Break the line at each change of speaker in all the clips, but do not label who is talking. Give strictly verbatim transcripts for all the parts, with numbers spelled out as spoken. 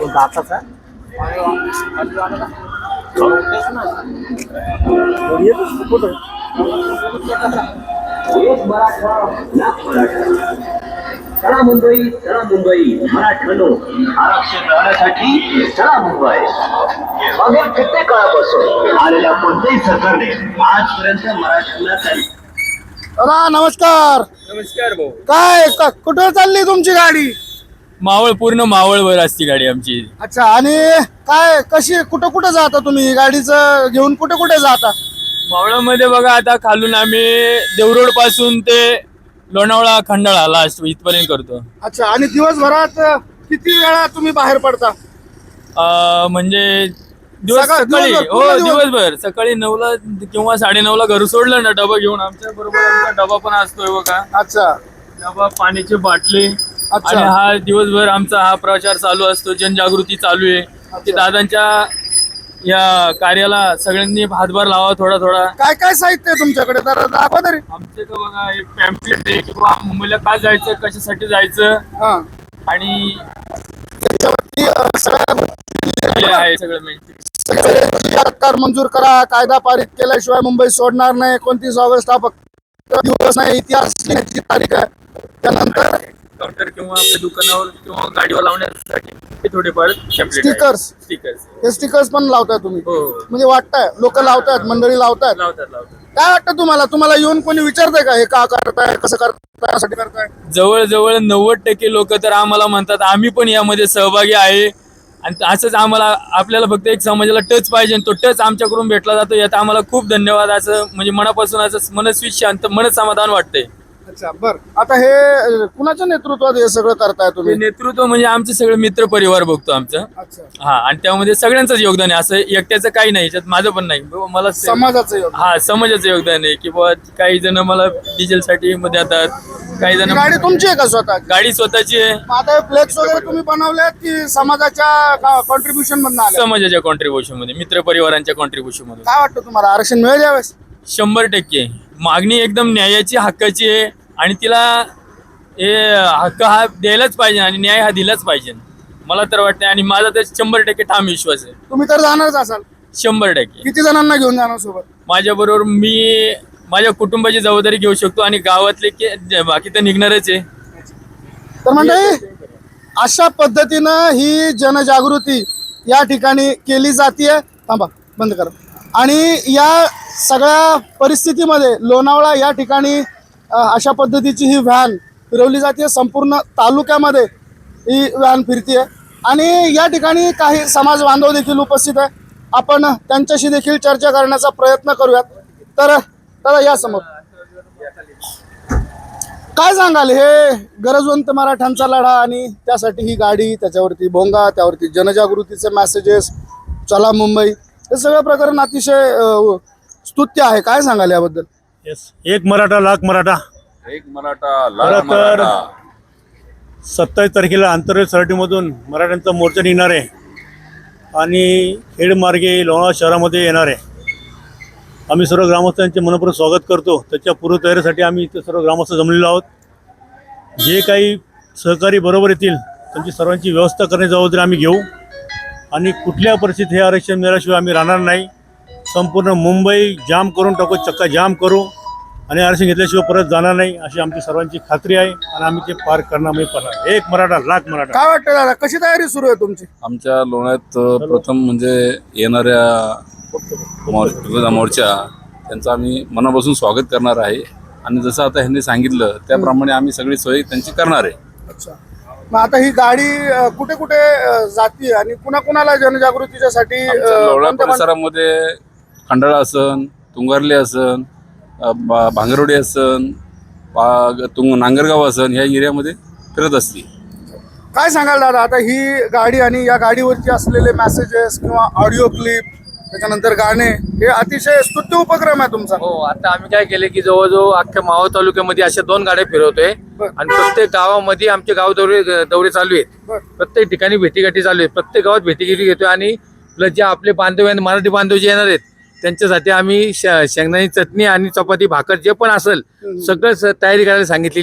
दाताचा
चला मुंबई चला मुंबई मराठ्यानो आरक्षण मिळवण्यासाठी चला मुंबई. मागील कित्येक काळापासून आलेल्या कोणत्याही सरकारने आजपर्यंत मराठ्यांना काही.
दादा नमस्कार.
नमस्कार भाऊ.
काय क- कुठं चालली तुमची गाडी?
मावळ पूर्ण मावळवर असती गाडी आमची.
अच्छा. आणि काय कशी कुठं कुठं जाता तुम्ही गाडीचं घेऊन कुठे कुठे जाता?
मावळामध्ये बघा आता खालून आम्ही देवरोड पासून ते लोणावळा खंडाळा लास्ट इथपर्यंत करतो.
अच्छा. आणि दिवसभरात किती वेळा तुम्ही बाहेर पडता?
अं, म्हणजे दिवस
सकाळ-
सकाळी
दिवसभर,
हो
पूर्ण दिवस.
दिवसभर सकाळी नऊला किंवा साडे नऊला घर सोडलं ना डबा घेऊन आमच्या बरोबर आमचा डबा पण असतोय बघा.
अच्छा
डबा पाण्याची बाटली
अच्छा.
आणि हा दिवसभर आमचा हा प्रचार चालू असतो. जनजागृती चालू आहे. ते दादांच्या या कार्याला सगळ्यांनी हातभार लावा थोडा थोडा.
काय काय साहित्य आहे तुमच्याकडे तर दाखवा तरी.
आमचे तर बघा एक पॅम्पलेट आहे किंवा मुंबईला का जायचं कशासाठी जायचं
हा.
आणि
त्याच्यावरती अ, सगळ्या
हे आहे सगळं माहिती.
सरकार मंजूर करा, कायदा पारित केल्याशिवाय मुंबई सोडणार नाही, एकोणतीस ऑगस्ट हा फक्त दिवस नाही, इतिहास लिहिण्याची तारीख आहे. त्यानंतर
काउंटर किंवा आपल्या दुकानावर किंवा गाडीवर लावण्यासाठी हे थोडेफार
स्टिकर्स
स्टिकर्स
हे स्टिकर्स पण लावताय तुम्ही?
हो
म्हणजे वाटतंय लोक लावतायत, मंडळी लावतायत.
लावतात लावतात.
काय वाटतं तुम्हाला? तुम्हाला येऊन कोणी विचारतंय का हे का करताय, कसं करताय, यासाठी करताय?
जवळजवळ नव्वद टक्के लोक तर आम्हाला म्हणतात आम्ही पण यामध्ये सहभागी आहे. आणि असंच आम्हाला आपल्याला फक्त एक समाजाला टच पाहिजे आणि तो टच आमच्याकडून भेटला जातो. यात आम्हाला खूप धन्यवाद. असं म्हणजे मनापासून असं मनस्वी शांत मन समाधान वाटतंय.
अच्छा. बर. आता हे अ, कुणाच्या नेतृत्वात हे सगळं करताय
हे
तुम्ही?
नेतृत्व म्हणजे आमचे सगळे मित्र परिवार बघतो आमचं.
अच्छा.
हा आणि त्यामध्ये सगळ्यांचंच योगदान आहे. असं एकट्याचं काही नाही, याच्यात माझं पण नाही. ब- मला से-
समाजाचं योगदान.
हा समाजाचं योगदान आहे की बुवा काही जण मला डिझेल साठी मध्ये येतात, काही जण
ही गाडी तुमची आहे का स्वतः?
गाडी स्वतःची आहे.
मग आता फ्लेक्स वगैरे तुम्ही बनवल्यात की समाजाच्या कॉन्ट्रीब्युशन मधून आले?
समाजाच्या कॉन्ट्रीब्युशन मध्ये, मित्र परिवारांच्या कॉन्ट्रीब्युशन मध्ये
काय वाटतं तुम्हाला आरक्षण मिळेल यावेळेस?
शंभर टक्के मागणी एकदम न्यायाची हक्काची आहे आणि तिला हे हक्क हा द्यायलाच पाहिजे आणि न्याय हा दिलाच पाहिजे मला तर वाटतं. आणि माझा तर शंभर टक्के ठाम विश्वास आहे.
तुम्ही तर जाणारच असाल.
शंभर टक्के
किती जणांना घेऊन जाणार सोबत?
माझ्या बरोबर मी माझ्या कुटुंबाची जबाबदारी घेऊ शकतो आणि गावातले के- बाकी तर निघणारच आहे.
तर मंडळी अशा पद्धतीनं ही जनजागृती या ठिकाणी केली जाते. थांबा बंद करा. आणि या सगळ्या परिस्थितीमध्ये लोणावळा या ठिकाणी अ, अशा पद्धतीची ही व्हॅन फिरवली जाते. संपूर्ण तालुक्यामध्ये ही व्हॅन फिरते आणि या ठिकाणी काही समाज बांधव देखील उपस्थित आहे. आपण त्यांच्याशी देखील चर्चा करण्याचा प्रयत्न करूयात. तर दादा या समोर काय सांगाल? हे गरजवंत मराठ्यांचा लढा आणि त्यासाठी ही गाडी, त्याच्यावरती भोंगा, त्यावरती जनजागृतीचे मेसेजेस, चला मुंबई, हे सगळं प्रकरण अतिशय अ, स्तुत्य आहे. काय सांगाल याबद्दल?
येस. एक मराठा लाख मराठा.
एक मराठा
खरं
लाख
तर
मराठा.
सत्तावीस तारखेला आंतरराष्ट्रीय सराटीमधून मराठ्यांचा मोर्चा निघणार आहे आणि खेडमार्गे लोणावळा शहरामध्ये येणार आहे. आम्ही सर्व ग्रामस्थांचे मनपूर्वक स्वागत करतो. त्याच्या पूर्वतयारीसाठी आम्ही इथे सर्व ग्रामस्थ जमलेलो आहोत. जे काही सहकारी बरोबर येतील त्यांची सर्वांची व्यवस्था करण्याची जबाबदारी आम्ही घेऊ आणि कुठल्या परिस्थितीत हे आरक्षण मिळाल्याशिवाय आम्ही राहणार नाही. संपूर्ण मुंबई जाम करून टाकू, चक्का जाम करू आणि आरक्षण घेतल्याशिवाय परत जाणार नाही अशी आमची सर्वांची खात्री आहे आणि आम्ही ते पार करणार म्हणजे करणार. एक मराठा लाख मराठा.
काय वाटतं दादा, कशी तयारी सुरू आहे तुमची?
आमच्या लोण्यात अ, प्रथम म्हणजे येणाऱ्या मोर- मोर्चा त्यांचं आम्ही मनापासून स्वागत करणार आहे आणि जसं आता ह्यांनी सांगितलं त्याप्रमाणे आम्ही सगळी सोय त्यांची करणार आहे.
अच्छा. मग आता ही गाडी अ, कुठे कुठे अ, जाते आणि कुणा कुणाला जनजागृतीच्यासाठी अ,
आमच्या लोणा
कोणत्या कोणत्या-
परिसरामध्ये खंडाळा असन, तुंगारले असन, अ, बा- भांगरवडी असन, पा- तुंग नांगरगाव असन, ह्या एरियामध्ये फिरत असते.
काय सांगाल दादा? आता ही गाडी आणि या गाडीवरती असलेले मेसेजेस किंवा ऑडिओ क्लिप, त्याच्यानंतर गाणे, हे अतिशय स्तुत्य उपक्रम आहे तुमचा.
हो. आता आम्ही काय केले की जवळजवळ अख्ख्या मावळ तालुक्यामध्ये अशा दोन गाड्या फिरवतोय
बरं.
आणि प्रत्येक गावामध्ये आमचे गाव दौरे दौरे चालू आहेत.
बरं.
प्रत्येक ठिकाणी भेटीगाठी चालू आहेत. प्रत्येक गावात भेटीगाठी घेतोय आणि प्लस जे आपले बांधव आहेत, मराठी बांधव जे येणार आहेत त्यांच्यासाठी आम्ही श- शेंगदाण्याची चटणी आणि चपाती भाकर जे पण असेल सगळं स- तयारी करायला सांगितलेली आहे.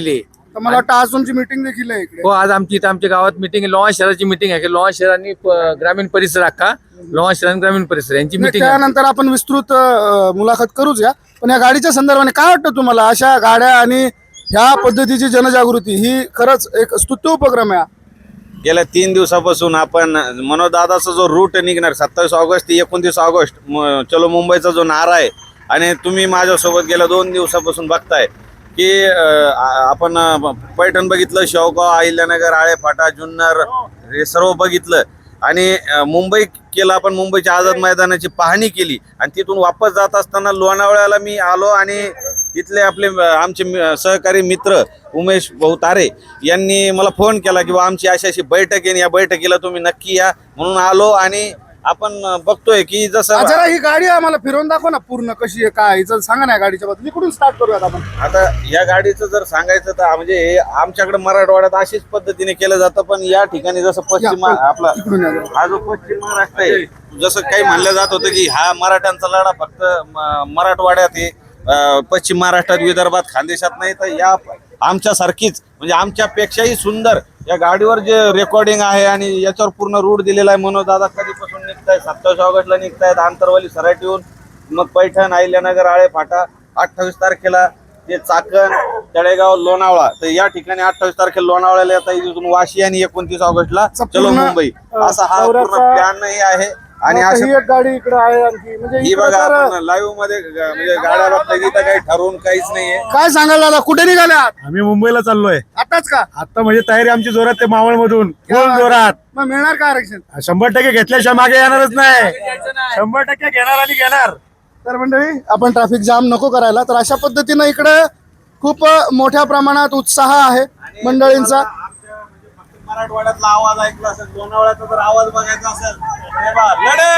तर मला वाटतं आज तुमची मीटिंग देखील आहे इकडे.
हो, आज आमची इथं आमच्या गावात मिटिंग आहे, लोहा शहराची मिटिंग आहे की लोहा शहर आणि प- ग्रामीण परिसर अख्खा लोहा शहर आणि ग्रामीण परिसर यांची
नाही,
मिटिंग आहे.
त्यानंतर आपण विस्तृत अ, मुलाखत करूच या. पण या गाडीच्या संदर्भाने काय वाटतं तुम्हाला? अशा गाड्या आणि ह्या पद्धतीची जनजागृती ही खरंच एक स्तुत्य उपक्रम आहे.
गेल्या तीन दिवसापासून आपण मनोदादाचा जो रूट निघणार सत्तावीस ऑगस्ट ते एकोणतीस ऑगस्ट म- चलो मुंबईचा जो नारा आहे आणि तुम्ही माझ्यासोबत गेल्या दोन दिवसापासून बघताय की अं, आ- आपण अं, पैठण बघितलं, शेवगाव, अहिल्यानगर, आळेफाटा, जुन्नर हे सर्व बघितलं आणि अं, मुंबई केलं आपण. मुंबईच्या आझाद मैदानाची पाहणी केली आणि तिथून वापस जात असताना लोणावळ्याला मी आलो आणि तिथले आपले अं, आमचे मि- सहकारी मित्र उमेश भाऊ तारे यांनी मला फोन केला की बा आमची अशी अशी बैठक आहे, या बैठकीला तुम्ही नक्की या म्हणून आलो. आणि आपण अं, बघतोय की
आ,
जसं
जरा ही गाडी आम्हाला फिरवून दाखव ना पूर्ण कशी आहे काय हिचं सांगा ना. या गाडीच्या बद्दल इकडून स्टार्ट करूयात आपण.
आता या गाडीचं जर सांगायचं तर म्हणजे हे आमच्याकडे मराठवाड्यात अशीच पद्धतीने केलं जातं, पण या ठिकाणी जसं पश्चिम
या,
महा- आपला
इकडून या जरा.
हा जो पश्चिम महाराष्ट्र आहे, जसं काही म्हणलं जात होतं की हा मराठ्यांचा लढा फक्त म- मराठवाड्यात आहे, अं, पश्चिम महाराष्ट्रात, विदर्भात, खानदेशात नाही. तर या आमच्यासारखीच म्हणजे आमच्यापेक्षाही सुंदर या गाडीवर जे रेकॉर्डिंग आहे आणि याच्यावर पूर्ण रूट दिलेला आहे. मनोदादा कधीपासून निघतायत, सत्तावीस ऑगस्टला निघतायत आंतरवाली सराटीहून, मग पैठण, अहिल्यानगर, आळेफाटा, अठ्ठावीस तारखेला ते चाकण, तळेगाव, लोणावळा. तर या ठिकाणी अठ्ठावीस तारखेला लोणावळ्याला येता इथून वाशी आणि एकोणतीस ऑगस्टला
चा
चलो
पूर्ण,
मुंबई
अं,
असा हा पूर्ण
दौऱ्याचा-
प्लॅनही आहे. आणि
आता
अशा
ही एक गाडी इकडे आहे आणखी म्हणजे
ही
इकडं
बघा
तर-
आपण लाईव्ह मध्ये ग- म्हणजे गाड्या बघता इथं काही ठरवून काहीच नाहीये.
काय सांगाल दादा? कुठे निघाल्या
आम्ही मुंबईला चाललोय
आताच का?
आता, म्हणजे तयारी आमची जोरात ते मावळ मधून फुल जोरात.
मग मिळणार का आरक्षण?
शंभर टक्के घेतल्याशिवाय मागे येणारच नाही. शंभर टक्के घेणार आणि घेणार.
तर मंडळी आपण ट्रॅफिक जाम नको करायला. तर अशा पद्धतीनं इकडे खूप अ, मोठ्या प्रमाणात उत्साह आहे मंडळींचा.
आमच्या म्हणजे फक्त मराठवाड्यातला आवाज ऐकला असेल, लोणावळ्याचा जर आवाज बघायचा असेल, हे बघा,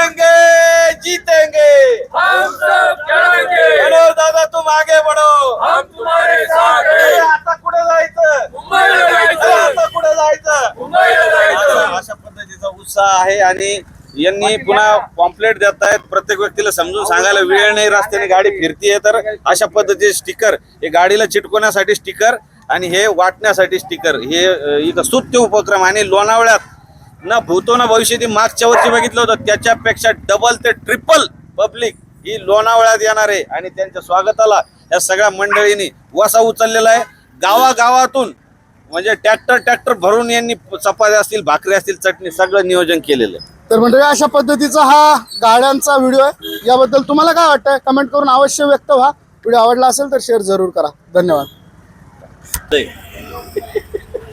लढेंगे जीतेंगे बढो दादा तुम आगे बढो, अरे आता कुठे जायचं, अरे आता कुठे जायचं, अशा पद्धतीचा उत्साह आहे. आणि यांनी पुन्हा पॉम्पलेट देत आहेत, प्रत्येक व्यक्तीला समजून सांगायला वेळ नाही, रस्त्याने गाडी फिरतीये तर अशा पद्धतीचे स्टिकर, हे गाडीला चिटकवण्यासाठी स्टिकर आणि हे वाटण्यासाठी स्टिकर, हे अ, इथं स्तुत्य उपक्रम. आणि लोणावळ्यात ना भूतो ना भविष्य मागच्या वर्षी बघितलं होतं त्याच्यापेक्षा डबल ते ट्रिपल पब्लिक ही लोणावळ्यात येणार आहे. आणि त्यांच्या स्वागताला या सगळ्या मंडळींनी वसा उचललेला आहे. गावागावातून म्हणजे ट्रॅक्टर ट्रॅक्टर भरून यांनी चपात्या असतील, भाकरी असतील, चटणी सगळं नियोजन केलेलं आहे.
तर मंडळी अशा पद्धतीचा हा गाड्यांचा व्हिडिओ आहे. याबद्दल तुम्हाला काय वाटतंय कमेंट करून अवश्य व्यक्त व्हा. व्हिडिओ आवडला असेल तर शेअर जरूर करा. धन्यवाद.